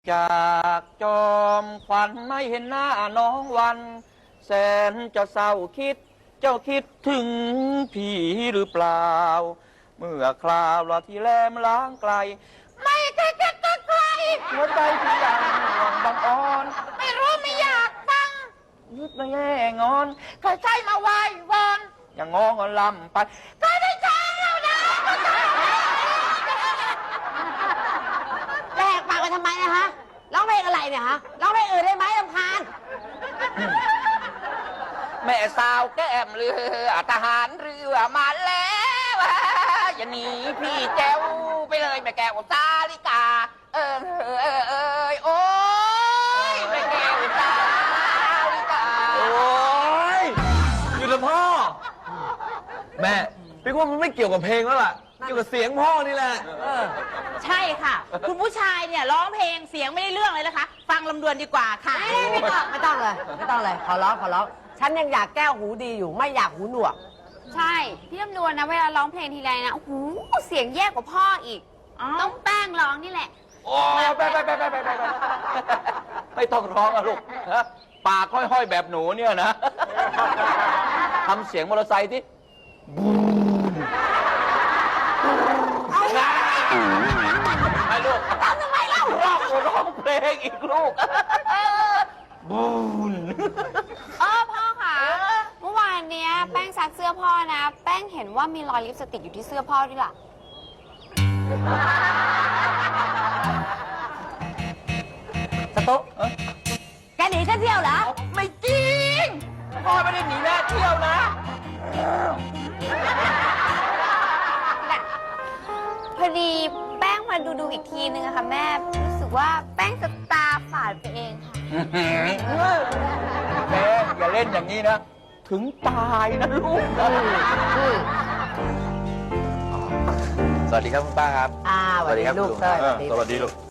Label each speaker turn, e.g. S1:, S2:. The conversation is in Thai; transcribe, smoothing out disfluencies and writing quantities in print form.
S1: จากจอมขวัญไม่เห็นหน้าน้องวัน แสนจะเศร้าคิดเจ้าคิดถึงพี่หรือเปล่า เมื่อคราวเราที่แลมล้างไกล ไม่ไกลหัวใจที่ยังห่วงบังอ่อนไม่รู้ไม่อยากฟังยึดไม่แย่งอนใครใช้มาไหว้วอนอย่างงองอนลำไปก็ได้ใช้แล้วนะ
S2: แลกปากกันทำไมนะฮะร้องเพลงอะไรเนี่ยฮะร้องเพลงอื่นได้ไหมรำคาญ
S1: แม่สาวแก้มเรือทหารเรือมาแล้วอย่าหนีพี่แจ้วไปเลยแม่แก้วสาลิกาโอ้ยแม่แก้วสาลิกา
S3: โอ้ยอยู่กับพ่อ แม่พี่ว่ามันไม่เกี่ยวกับเพลงแล้วล่ะเกี่ยวกับเสียงพ่อนี่แหละ
S4: ใช่ค่ะ คุณผู้ชายเนี่ยร้องเพลงเสียงไม่ได้เรื่องเลยนะคะ ฟังลำดวนดีกว่าค่ะ
S2: ไม่ต้องเลยขอร้องฉันยังอยากแก้วหูดีอยู่ไม่อยากหูหนวก
S5: ใช่พี่ลำดวนนะเวลาร้องเพลงทีไรนะโอ้โหเสียงแย่กว่าพ่ออีก ต้องแป้งร้องนี่แหละ
S1: โอ้ไปไม่ต้องร้องอะลูกปากห้อยๆแบบหนูเนี่ยนะทำเสียงมอเตอร์ไซค์ที่บูมไอ้ลูกทำไมเล่าร้องเพลงอีกลูกบูม
S5: พ่อค่ะเมื่อวานเนี้ยแป้งซักเสื้อพ่อนะ แป้งเห็นว่ามีรอยลิปสติกอยู่ที่เสื้อพ่อด้วยล่ะ
S2: สตุ๊กแกหนีฉันเที่ยวเหรอ
S1: ไม่จริงพ่อไม่ได้หนีแม่เที่ยวนะ
S5: พอดีแป้งมาดูอีกทีนึงอะค่ะแม่รู้สึกว่าแป้งจะตาฝาดไปเองค่ะ
S1: แม่อย่าเล่นอย่างนี้นะ ถึงตายนะลูก
S3: สวัสดีครับคุณป้าครับ
S2: สวัสดีลูกเต้ย
S3: สวัสดีลูก